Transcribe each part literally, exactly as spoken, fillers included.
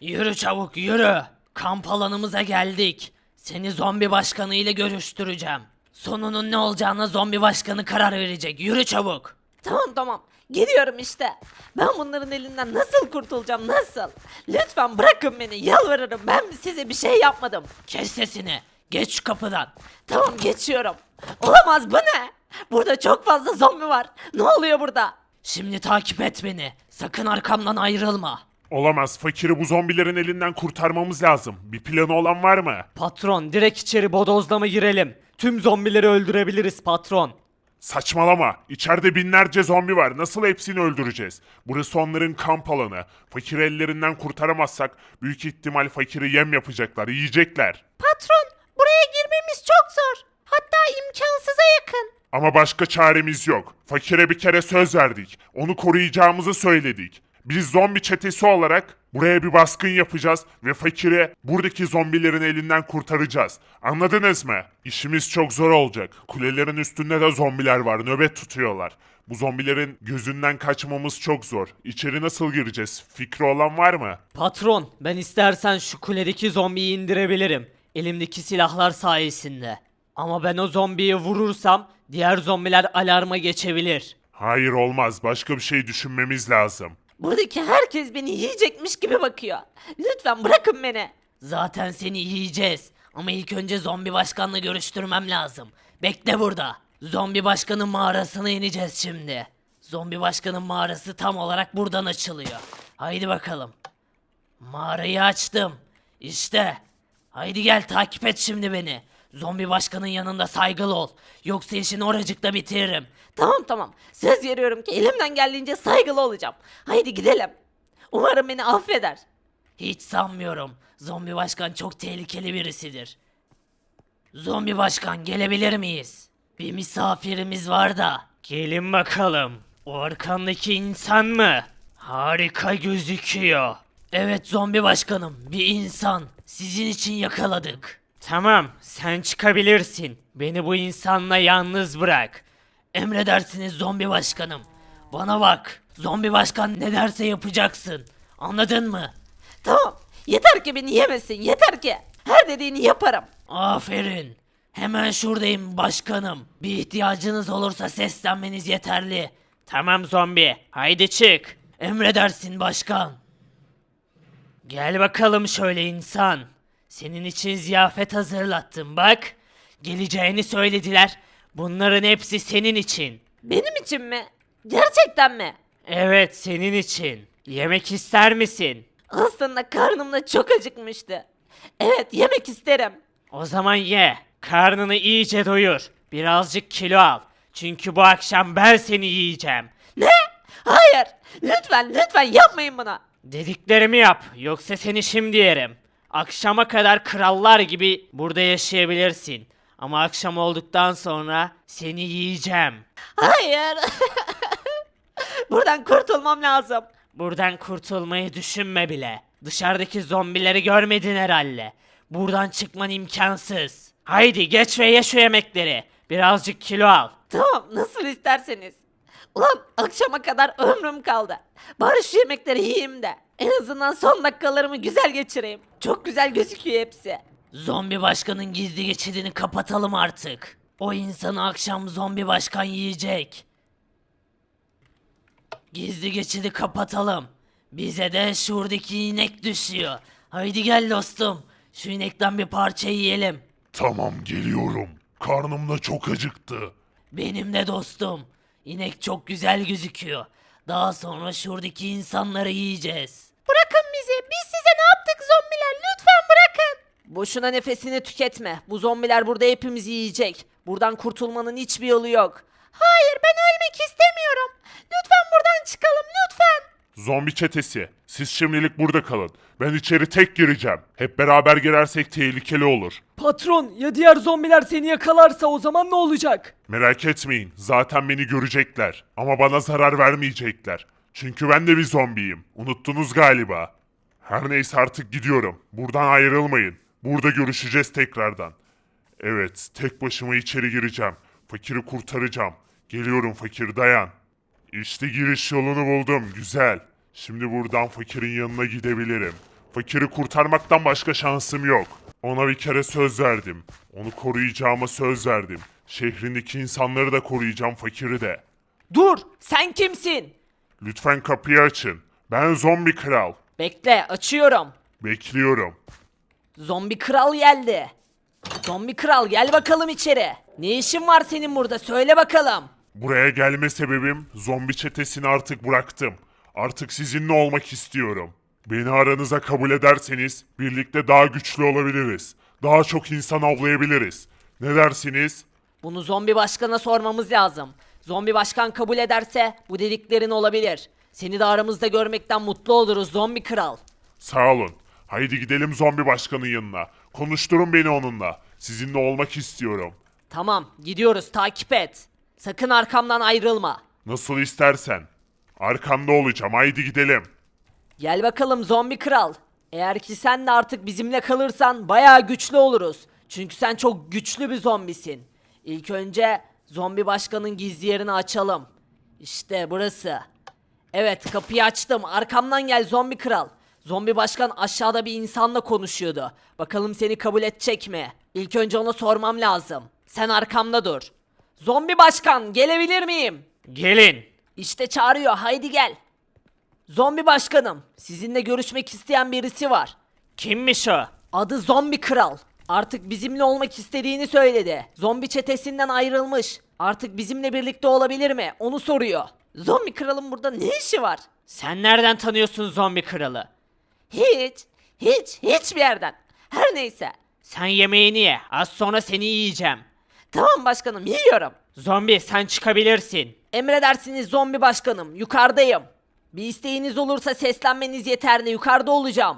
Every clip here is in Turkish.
Yürü çabuk yürü. Kamp alanımıza geldik. Seni zombi başkanı ile görüştüreceğim. Sonunun ne olacağına zombi başkanı karar verecek. Yürü çabuk. Tamam tamam. Gidiyorum işte. Ben bunların elinden nasıl kurtulacağım nasıl? Lütfen bırakın beni yalvarırım. Ben size bir şey yapmadım. Kes sesini. Geç şu kapıdan. Tamam geçiyorum. Olamaz bu ne? Burada çok fazla zombi var. Ne oluyor burada? Şimdi takip et beni. Sakın arkamdan ayrılma. Olamaz. Fakiri bu zombilerin elinden kurtarmamız lazım. Bir planı olan var mı? Patron, direkt içeri bodozlama girelim. Tüm zombileri öldürebiliriz patron. Saçmalama. İçeride binlerce zombi var. Nasıl hepsini öldüreceğiz? Burası onların kamp alanı. Fakiri ellerinden kurtaramazsak büyük ihtimal fakiri yem yapacaklar, yiyecekler. Patron, buraya girmemiz çok zor. Hatta imkansıza yakın. Ama başka çaremiz yok. Fakire bir kere söz verdik. Onu koruyacağımızı söyledik. Biz zombi çetesi olarak buraya bir baskın yapacağız ve fakiri buradaki zombilerin elinden kurtaracağız. Anladınız mı? İşimiz çok zor olacak. Kulelerin üstünde de zombiler var, nöbet tutuyorlar. Bu zombilerin gözünden kaçmamız çok zor. İçeri nasıl gireceğiz? Fikri olan var mı? Patron, ben istersen şu kuledeki zombiyi indirebilirim. Elimdeki silahlar sayesinde. Ama ben o zombiyi vurursam diğer zombiler alarma geçebilir. Hayır olmaz. Başka bir şey düşünmemiz lazım. Buradaki herkes beni yiyecekmiş gibi bakıyor. Lütfen bırakın beni. Zaten seni yiyeceğiz. Ama ilk önce zombi başkanla görüştürmem lazım. Bekle burada. Zombi başkanın mağarasına ineceğiz şimdi. Zombi başkanın mağarası tam olarak buradan açılıyor. Haydi bakalım. Mağarayı açtım. İşte. Haydi gel takip et şimdi beni. Zombi başkanın yanında saygılı ol. Yoksa işini oracıkta bitiririm. Tamam tamam. Söz veriyorum ki elimden geldiğince saygılı olacağım. Haydi gidelim. Umarım beni affeder. Hiç sanmıyorum. Zombi başkan çok tehlikeli birisidir. Zombi başkan gelebilir miyiz? Bir misafirimiz var da. Gelin bakalım. O arkandaki insan mı? Harika gözüküyor. Evet zombi başkanım, bir insan. Sizin için yakaladık. Tamam, sen çıkabilirsin. Beni bu insanla yalnız bırak. Emredersiniz zombi başkanım. Bana bak. Zombi başkan ne derse yapacaksın. Anladın mı? Tamam. Yeter ki beni yemesin. Yeter ki. Her dediğini yaparım. Aferin. Hemen şuradayım başkanım. Bir ihtiyacınız olursa seslenmeniz yeterli. Tamam zombi, haydi çık. Emredersin başkan. Gel bakalım şöyle insan. Senin için ziyafet hazırlattım bak. Geleceğini söylediler. Bunların hepsi senin için. Benim için mi? Gerçekten mi? Evet, senin için. Yemek ister misin? Aslında karnım da çok acıkmıştı. Evet yemek isterim. O zaman ye. Karnını iyice doyur. Birazcık kilo al. Çünkü bu akşam ben seni yiyeceğim. Ne? Hayır. Lütfen lütfen yapmayın bunu. Dediklerimi yap. Yoksa seni şimdi yerim. Akşama kadar krallar gibi burada yaşayabilirsin. Ama akşam olduktan sonra seni yiyeceğim. Hayır. Buradan kurtulmam lazım. Buradan kurtulmayı düşünme bile. Dışarıdaki zombileri görmedin herhalde. Buradan çıkman imkansız. Haydi geç ve ye şu yemekleri. Birazcık kilo al. Tamam nasıl isterseniz. Ulan akşama kadar ömrüm kaldı. Bari şu yemekleri yiyeyim de. En azından son dakikalarımı güzel geçireyim. Çok güzel gözüküyor hepsi. Zombi başkanın gizli geçidini kapatalım artık. O insanı akşam zombi başkan yiyecek. Gizli geçidi kapatalım. Bize de şuradaki inek düşüyor. Haydi gel dostum. Şu inekten bir parça yiyelim. Tamam geliyorum. Karnım da çok acıktı. Benim de dostum. İnek çok güzel gözüküyor. Daha sonra şuradaki insanları yiyeceğiz. Bırakın bizi. Biz size ne yaptık zombiler? Lütfen bırakın. Boşuna nefesini tüketme. Bu zombiler burada hepimizi yiyecek. Buradan kurtulmanın hiçbir yolu yok. Hayır ben ölmek istemiyorum. Lütfen buradan çıkalım lütfen. Zombi çetesi, siz şimdilik burada kalın. Ben içeri tek gireceğim. Hep beraber girersek tehlikeli olur. Patron, ya diğer zombiler seni yakalarsa o zaman ne olacak? Merak etmeyin, zaten beni görecekler. Ama bana zarar vermeyecekler. Çünkü ben de bir zombiyim. Unuttunuz galiba. Her neyse artık gidiyorum. Buradan ayrılmayın. Burada görüşeceğiz tekrardan. Evet, tek başıma içeri gireceğim. Fakiri kurtaracağım. Geliyorum fakir, dayan. İşte giriş yolunu buldum, güzel. Şimdi buradan fakirin yanına gidebilirim. Fakiri kurtarmaktan başka şansım yok. Ona bir kere söz verdim. Onu koruyacağıma söz verdim. Şehrindeki insanları da koruyacağım, fakiri de. Dur, sen kimsin? Lütfen kapıyı açın. Ben zombi kral. Bekle, açıyorum. Bekliyorum. Zombi kral geldi. Zombi kral gel bakalım içeri. Ne işin var senin burada söyle bakalım. Buraya gelme sebebim, zombi çetesini artık bıraktım. Artık sizinle olmak istiyorum. Beni aranıza kabul ederseniz birlikte daha güçlü olabiliriz. Daha çok insan avlayabiliriz. Ne dersiniz? Bunu zombi başkana sormamız lazım. Zombi başkan kabul ederse bu dediklerin olabilir. Seni de aramızda görmekten mutlu oluruz zombi kral. Sağ olun. Haydi gidelim zombi başkanın yanına. Konuşturun beni onunla. Sizinle olmak istiyorum. Tamam gidiyoruz takip et. Sakın arkamdan ayrılma. Nasıl istersen. Arkanda olacağım. Haydi gidelim. Gel bakalım zombi kral. Eğer ki sen de artık bizimle kalırsan bayağı güçlü oluruz. Çünkü sen çok güçlü bir zombisin. İlk önce zombi başkanın gizli yerini açalım. İşte burası. Evet kapıyı açtım. Arkamdan gel zombi kral. Zombi başkan aşağıda bir insanla konuşuyordu. Bakalım seni kabul edecek mi? İlk önce ona sormam lazım. Sen arkamda dur. Zombi başkan gelebilir miyim? Gelin. İşte çağırıyor haydi gel. Zombi başkanım sizinle görüşmek isteyen birisi var. Kimmiş o? Adı Zombi Kral. Artık bizimle olmak istediğini söyledi. Zombi çetesinden ayrılmış. Artık bizimle birlikte olabilir mi? Onu soruyor. Zombi Kral'ın burada ne işi var? Sen nereden tanıyorsun zombi kralı? Hiç, hiç, hiçbir yerden. Her neyse. Sen yemeğini ye. Az sonra seni yiyeceğim. Tamam başkanım yiyorum. Zombi sen çıkabilirsin. Emredersiniz zombi başkanım. Yukarıdayım. Bir isteğiniz olursa seslenmeniz yeterli. Yukarıda olacağım.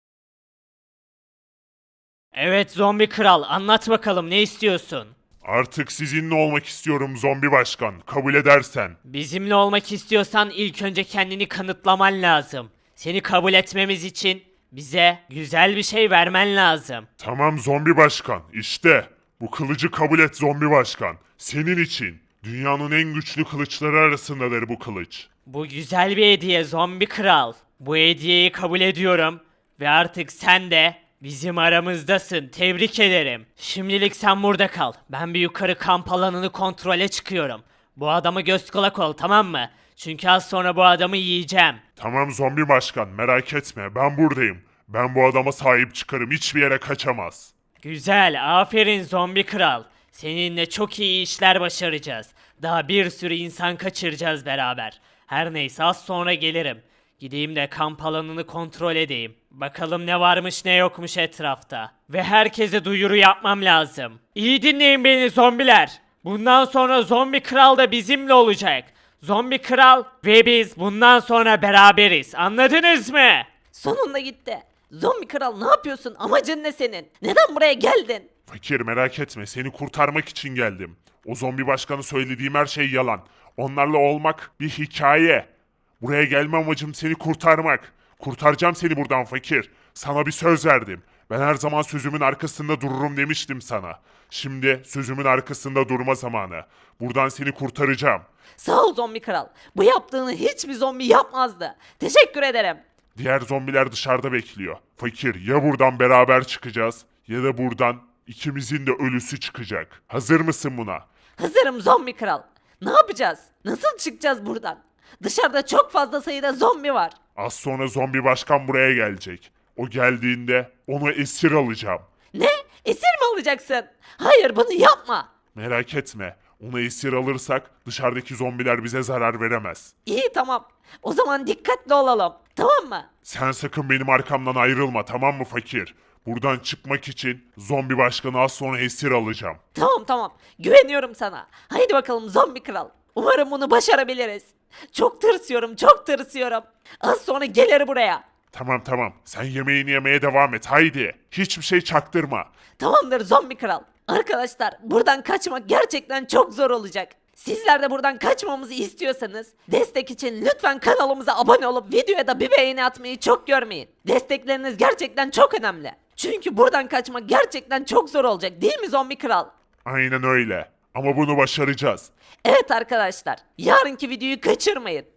Evet zombi kral anlat bakalım ne istiyorsun? Artık sizinle olmak istiyorum zombi başkan. Kabul edersen. Bizimle olmak istiyorsan ilk önce kendini kanıtlaman lazım. Seni kabul etmemiz için bize güzel bir şey vermen lazım. Tamam zombi başkan. İşte. Bu kılıcı kabul et zombi başkan. Senin için. Dünyanın en güçlü kılıçları arasındadır bu kılıç. Bu güzel bir hediye zombi kral. Bu hediyeyi kabul ediyorum ve artık sen de bizim aramızdasın. Tebrik ederim. Şimdilik sen burada kal. Ben bir yukarı kamp alanını kontrole çıkıyorum. Bu adamı göz kulak ol tamam mı? Çünkü az sonra bu adamı yiyeceğim. Tamam zombi başkan, merak etme, ben buradayım. Ben bu adama sahip çıkarım, hiçbir yere kaçamaz. Güzel, aferin zombi kral. Seninle çok iyi işler başaracağız. Daha bir sürü insan kaçıracağız beraber. Her neyse az sonra gelirim. Gideyim de kamp alanını kontrol edeyim. Bakalım ne varmış ne yokmuş etrafta. Ve herkese duyuru yapmam lazım. İyi dinleyin beni zombiler. Bundan sonra zombi kral da bizimle olacak. Zombi kral ve biz bundan sonra beraberiz. Anladınız mı? Sonunda gitti. Zombi Kral ne yapıyorsun? Amacın ne senin? Neden buraya geldin? Fakir merak etme, seni kurtarmak için geldim. O zombi başkanı söylediğim her şey yalan. Onlarla olmak bir hikaye. Buraya gelme amacım seni kurtarmak. Kurtaracağım seni buradan fakir. Sana bir söz verdim. Ben her zaman sözümün arkasında dururum demiştim sana. Şimdi sözümün arkasında durma zamanı. Buradan seni kurtaracağım. Sağ ol Zombi Kral. Bu yaptığını hiçbir zombi yapmazdı. Teşekkür ederim. Diğer zombiler dışarıda bekliyor. Fakir, ya buradan beraber çıkacağız ya da buradan ikimizin de ölüsü çıkacak. Hazır mısın buna? Hazırım Zombi Kral. Ne yapacağız? Nasıl çıkacağız buradan? Dışarıda çok fazla sayıda zombi var. Az sonra zombi başkan buraya gelecek. O geldiğinde onu esir alacağım. Ne? Esir mi alacaksın? Hayır bunu yapma. Merak etme. Onu esir alırsak dışarıdaki zombiler bize zarar veremez. İyi tamam. O zaman dikkatli olalım. Tamam mı? Sen sakın benim arkamdan ayrılma, tamam mı fakir? Buradan çıkmak için zombi başkanı az sonra esir alacağım. Tamam tamam. Güveniyorum sana. Haydi bakalım Zombi Kral. Umarım bunu başarabiliriz. Çok tırsıyorum, çok tırsıyorum. Az sonra gelir buraya. Tamam tamam, sen yemeğini yemeye devam et, haydi. Hiçbir şey çaktırma. Tamamdır Zombi Kral. Arkadaşlar buradan kaçmak gerçekten çok zor olacak. Sizler de buradan kaçmamızı istiyorsanız destek için lütfen kanalımıza abone olup videoya da bir beğeni atmayı çok görmeyin. Destekleriniz gerçekten çok önemli. Çünkü buradan kaçmak gerçekten çok zor olacak değil mi Zombi Kral? Aynen öyle. Ama bunu başaracağız. Evet arkadaşlar yarınki videoyu kaçırmayın.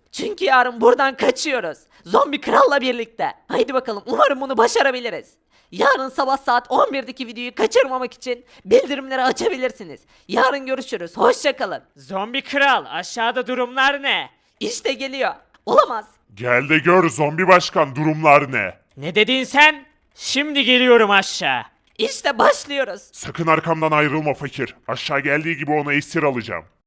Çünkü yarın buradan kaçıyoruz. Zombi kralla birlikte. Haydi bakalım, umarım bunu başarabiliriz. Yarın sabah saat on birdeki videoyu kaçırmamak için bildirimleri açabilirsiniz. Yarın görüşürüz. Hoşça kalın. Zombi kral, aşağıda durumlar ne? İşte geliyor. Olamaz. Gel de gör zombi başkan, durumlar ne? Ne dedin sen? Şimdi geliyorum aşağı. İşte başlıyoruz. Sakın arkamdan ayrılma fakir. Aşağı geldiği gibi onu esir alacağım.